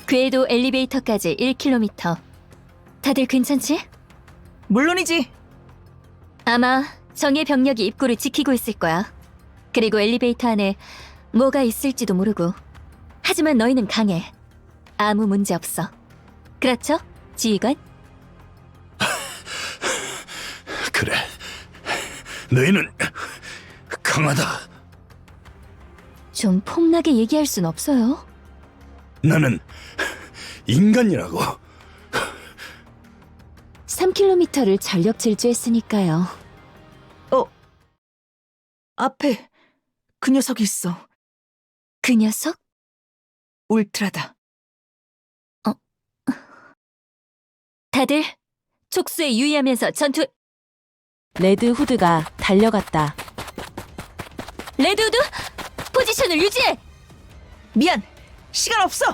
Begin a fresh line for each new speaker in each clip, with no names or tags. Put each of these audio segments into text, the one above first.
궤도 엘리베이터까지 1km. 다들 괜찮지?
물론이지.
아마 정예 병력이 입구를 지키고 있을 거야. 그리고 엘리베이터 안에 뭐가 있을지도 모르고. 하지만 너희는 강해. 아무 문제 없어. 그렇죠, 지휘관?
그래. 너희는 강하다.
좀 폭나게 얘기할 순 없어요.
나는 인간이라고.
3km를 전력 질주했으니까요.
앞에 그 녀석이 있어.
그 녀석?
울트라다.
다들 촉수에 유의하면서 전투.
레드 후드가 달려갔다.
레드우드, 포지션을 유지해!
미안. 시간 없어.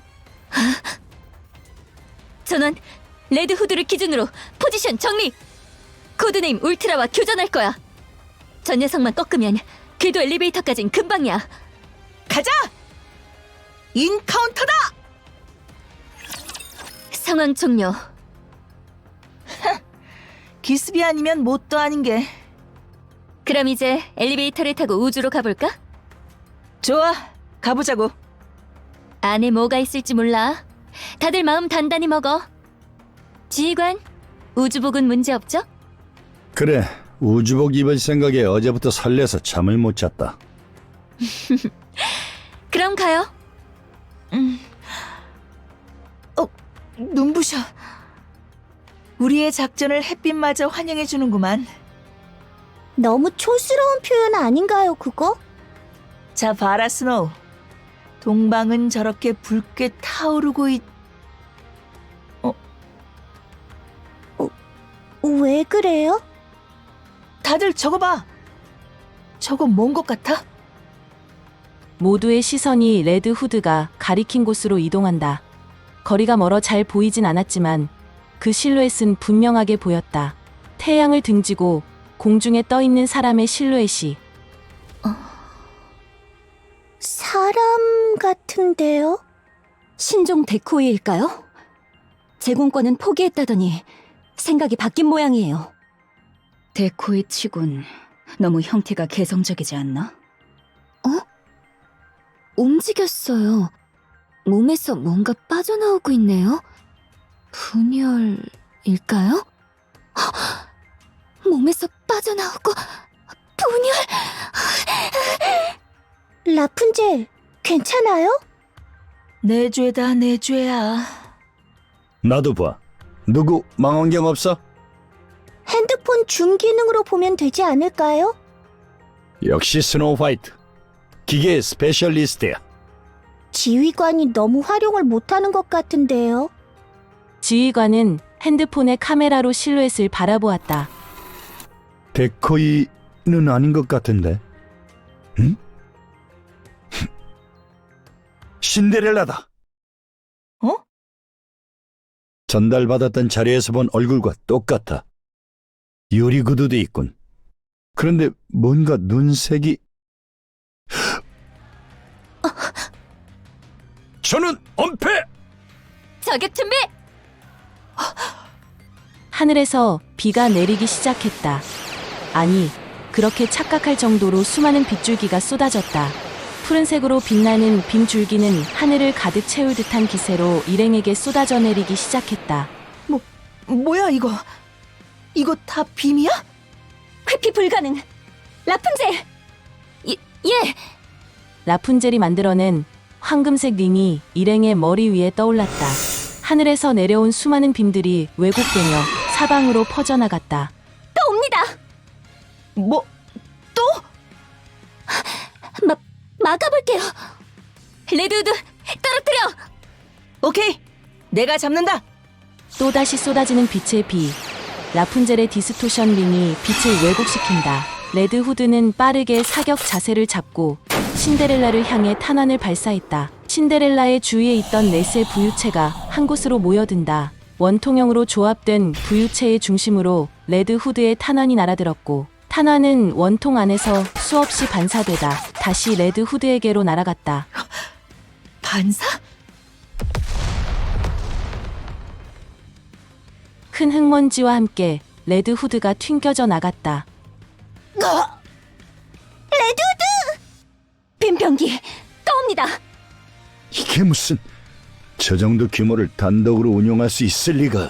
전원, 레드후드를 기준으로 포지션 정리! 코드네임 울트라와 교전할 거야. 저 녀석만 꺾으면 궤도 엘리베이터까진 금방이야.
가자. 인카운터다.
상황 종료.
기습이 아니면 뭣도 아닌 게.
그럼 이제 엘리베이터를 타고 우주로 가볼까?
좋아. 가보자고.
안에 뭐가 있을지 몰라. 다들 마음 단단히 먹어. 지휘관, 우주복은 문제 없죠?
그래. 우주복 입을 생각에 어제부터 설레서 잠을 못 잤다.
그럼 가요.
눈부셔. 우리의 작전을 햇빛마저 환영해주는구만.
너무 촌스러운 표현 아닌가요, 그거?
자, 봐라, 스노우. 동방은 저렇게 붉게 타오르고
왜 그래요?
다들 저거 봐. 저거 뭔 것 같아?
모두의 시선이 레드 후드가 가리킨 곳으로 이동한다. 거리가 멀어 잘 보이진 않았지만 그 실루엣은 분명하게 보였다. 태양을 등지고 공중에 떠 있는 사람의 실루엣이.
사람 같은데요?
신종 데코이일까요? 제공권은 포기했다더니 생각이 바뀐 모양이에요. 데코이 치곤 너무 형태가 개성적이지 않나? 움직였어요. 몸에서 뭔가 빠져나오고 있네요. 분열일까요? 몸에서 빠져나오고 분열!
라푼젤, 괜찮아요?
내 죄다, 내 죄야.
나도 봐. 누구 망원경 없어?
핸드폰 줌 기능으로 보면 되지 않을까요?
역시 스노우 화이트. 기계 스페셜리스트야.
지휘관이 너무 활용을 못하는 것 같은데요.
지휘관은 핸드폰의 카메라로 실루엣을 바라보았다.
데코이는 아닌 것 같은데. 응? 신데렐라다.
어?
전달받았던 자료에서 본 얼굴과 똑같아. 유리 구두도 있군. 그런데 뭔가 눈색이... 저는 엄폐!
저격 준비!
하늘에서 비가 내리기 시작했다. 아니, 그렇게 착각할 정도로 수많은 빗줄기가 쏟아졌다. 푸른색으로 빛나는 빔줄기는 하늘을 가득 채울 듯한 기세로 일행에게 쏟아져 내리기 시작했다.
뭐야, 이거? 이거 다 빔이야?
회피 불가능. 라푼젤! 예!
라푼젤이 만들어낸 황금색 링이 일행의 머리 위에 떠올랐다. 하늘에서 내려온 수많은 빔들이 왜곡되며 사방으로 퍼져나갔다.
또 옵니다!
뭐, 또?
막아볼게요. 레드우드, 떨어뜨려!
오케이. 내가 잡는다.
또다시 쏟아지는 빛의 비. 라푼젤의 디스토션 링이 빛을 왜곡시킨다. 레드 후드는 빠르게 사격 자세를 잡고 신데렐라를 향해 탄환을 발사했다. 신데렐라의 주위에 있던 넷의 부유체가 한 곳으로 모여든다. 원통형으로 조합된 부유체의 중심으로 레드 후드의 탄환이 날아들었고 탄환은 원통 안에서 수없이 반사되다 다시 레드 후드에게로 날아갔다.
반사?
큰 흙먼지와 함께 레드 후드가 튕겨져 나갔다.
빈병기 떠옵니다.
이게 무슨 저 정도 규모를 단독으로 운용할 수 있을 리가.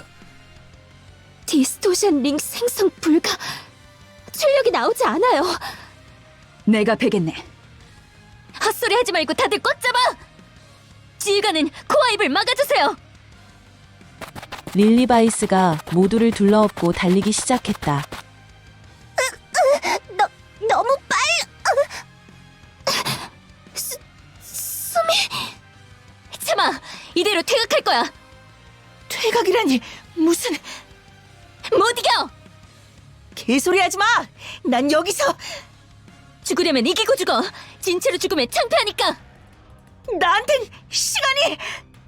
디스토션 링 생성 불가. 출력이 나오지 않아요.
내가 베겠네.
헛소리 하지 말고 다들 꽉 잡아. 지휘관은 코어 입을 막아주세요.
릴리바이스가 모두를 둘러엎고 달리기 시작했다.
너무 빨리.
숨이 참아. 이대로 퇴각할 거야.
퇴각이라니 무슨
못 이겨.
개소리 하지 마. 난 여기서
죽으려면 이기고 죽어. 진체로 죽으면 창피하니까.
나한텐 시간이.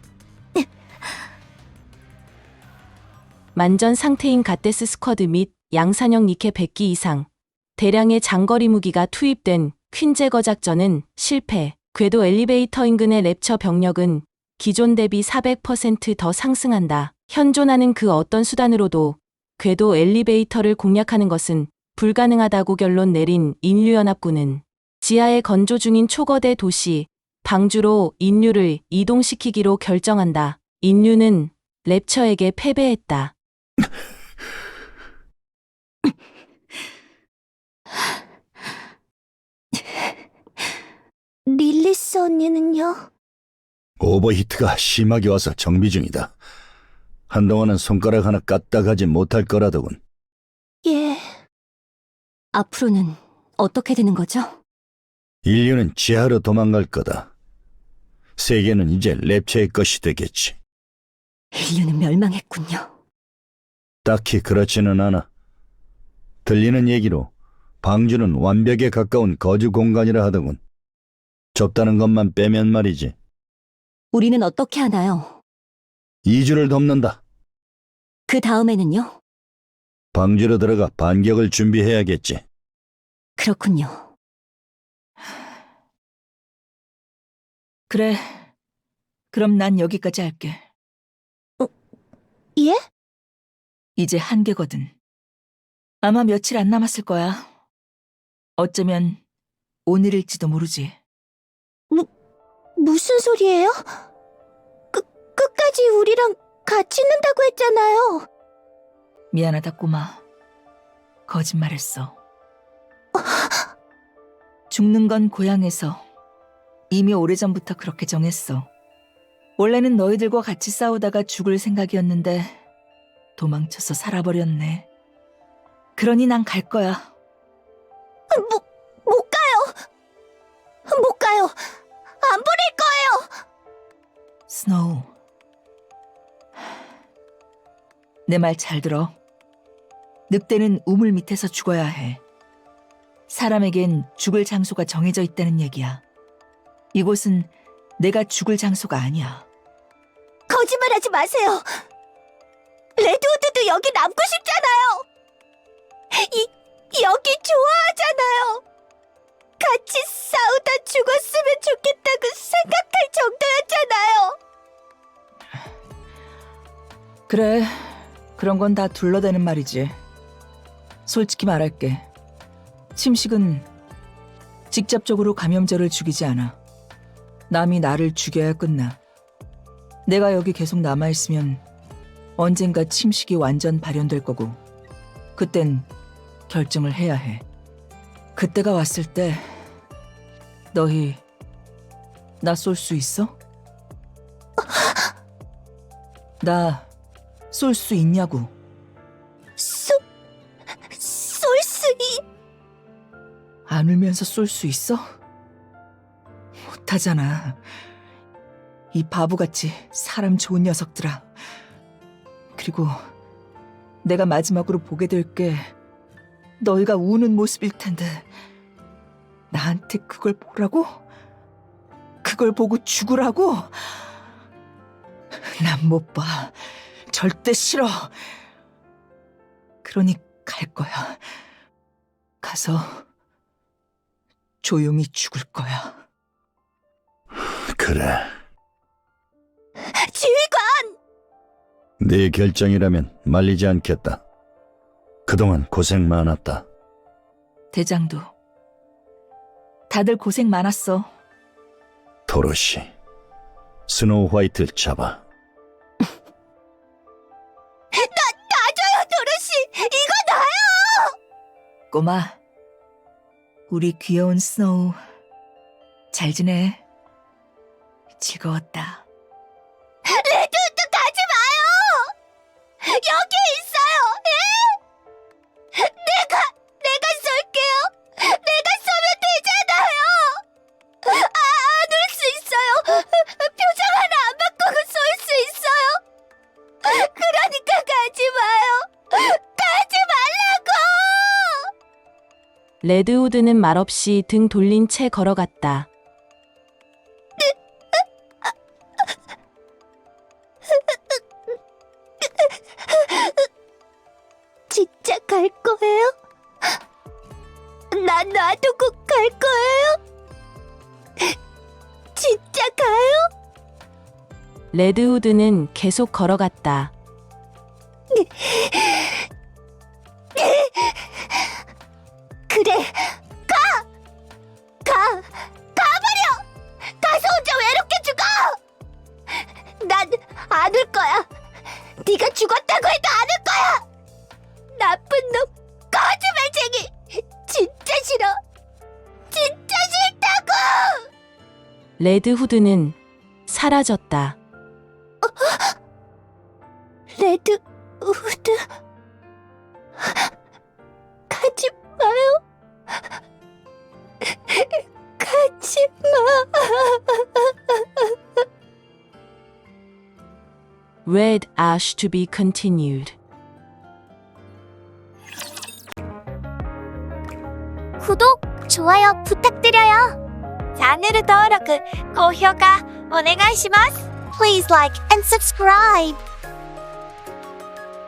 만전 상태인 갓데스 스쿼드 및 양산형 니케 100기 이상, 대량의 장거리 무기가 투입된 퀸제거 작전은 실패. 궤도 엘리베이터 인근의 랩처 병력은 기존 대비 400% 더 상승한다. 현존하는 그 어떤 수단으로도 궤도 엘리베이터를 공략하는 것은 불가능하다고 결론 내린 인류연합군은 지하에 건조 중인 초거대 도시 방주로 인류를 이동시키기로 결정한다. 인류는 랩처에게 패배했다.
릴리스 언니는요?
오버히트가 심하게 와서 정비 중이다. 한동안은 손가락 하나 까딱 하지 못할 거라더군.
예.
앞으로는 어떻게 되는 거죠?
인류는 지하로 도망갈 거다. 세계는 이제 랩처의 것이 되겠지.
인류는 멸망했군요.
딱히 그렇지는 않아. 들리는 얘기로 방주는 완벽에 가까운 거주 공간이라 하더군. 좁다는 것만 빼면 말이지.
우리는 어떻게 하나요?
2주를 덮는다.
그 다음에는요?
방주로 들어가 반격을 준비해야겠지.
그렇군요.
그래. 그럼 난 여기까지 할게.
예?
이제 한계거든. 아마 며칠 안 남았을 거야. 어쩌면 오늘일지도 모르지.
무슨 소리예요? 끝까지 우리랑 같이 있는다고 했잖아요.
미안하다, 꼬마. 거짓말했어. 죽는 건 고향에서 이미 오래전부터 그렇게 정했어. 원래는 너희들과 같이 싸우다가 죽을 생각이었는데 도망쳐서 살아버렸네. 그러니 난 갈 거야.
못 가요. 못 가요. 안 보낼 거예요.
스노우. 내 말 잘 들어. 늑대는 우물 밑에서 죽어야 해. 사람에겐 죽을 장소가 정해져 있다는 얘기야. 이곳은 내가 죽을 장소가 아니야.
거짓말하지 마세요. 레드우드도 여기 남고 싶잖아요. 여기 좋아하잖아요. 같이 싸우다 죽었으면 좋겠다고 생각할 정도였잖아요.
그래, 그런 건 다 둘러대는 말이지. 솔직히 말할게. 침식은 직접적으로 감염자를 죽이지 않아. 남이 나를 죽여야 끝나. 내가 여기 계속 남아있으면 언젠가 침식이 완전 발현될 거고 그땐 결정을 해야 해. 그때가 왔을 때 너희 나 쏠 수 있어? 나 쏠 수 있냐고.
쏠 수
안 울면서 쏠 수 있어? 못하잖아. 이 바보같이 사람 좋은 녀석들아. 그리고 내가 마지막으로 보게 될 게 너희가 우는 모습일 텐데 나한테 그걸 보라고? 그걸 보고 죽으라고? 난 못 봐. 절대 싫어. 그러니 갈 거야. 가서 조용히 죽을 거야.
그래.
지휘관!
네 결정이라면 말리지 않겠다. 그동안 고생 많았다.
대장도. 다들 고생 많았어.
도로시, 스노우 화이트 잡아.
놔줘요, 도로시! 이거 나요!
꼬마, 우리 귀여운 스노우 잘 지내? 즐거웠다.
레드우드 가지 마요! 여기 있어요! 예? 내가 쏠게요! 내가 쏘면 되잖아요! 안 올 수 있어요! 표정 하나 안 바꾸고 쏠 수 있어요! 그러니까 가지 마요! 가지 말라고!
레드우드는 말없이 등 돌린 채 걸어갔다.
진짜 갈 거예요? 나 놔두고 갈 거예요? 진짜 가요?
레드우드는 계속 걸어갔다.
그래, 가버려! 가서 혼자 외롭게 죽어! 난 안 올 거야. 네가 죽었다고 해도 안 올 거야! 나쁜 놈, 거짓말쟁이! 진짜 싫어! 진짜 싫다고!
레드후드는 사라졌다.
레드우드, 가지 마요. 가지 마.
Red Ash to be continued.
구독, 좋아요 부탁드려요. 채널登録, 고評価お願いします. Please like and subscribe.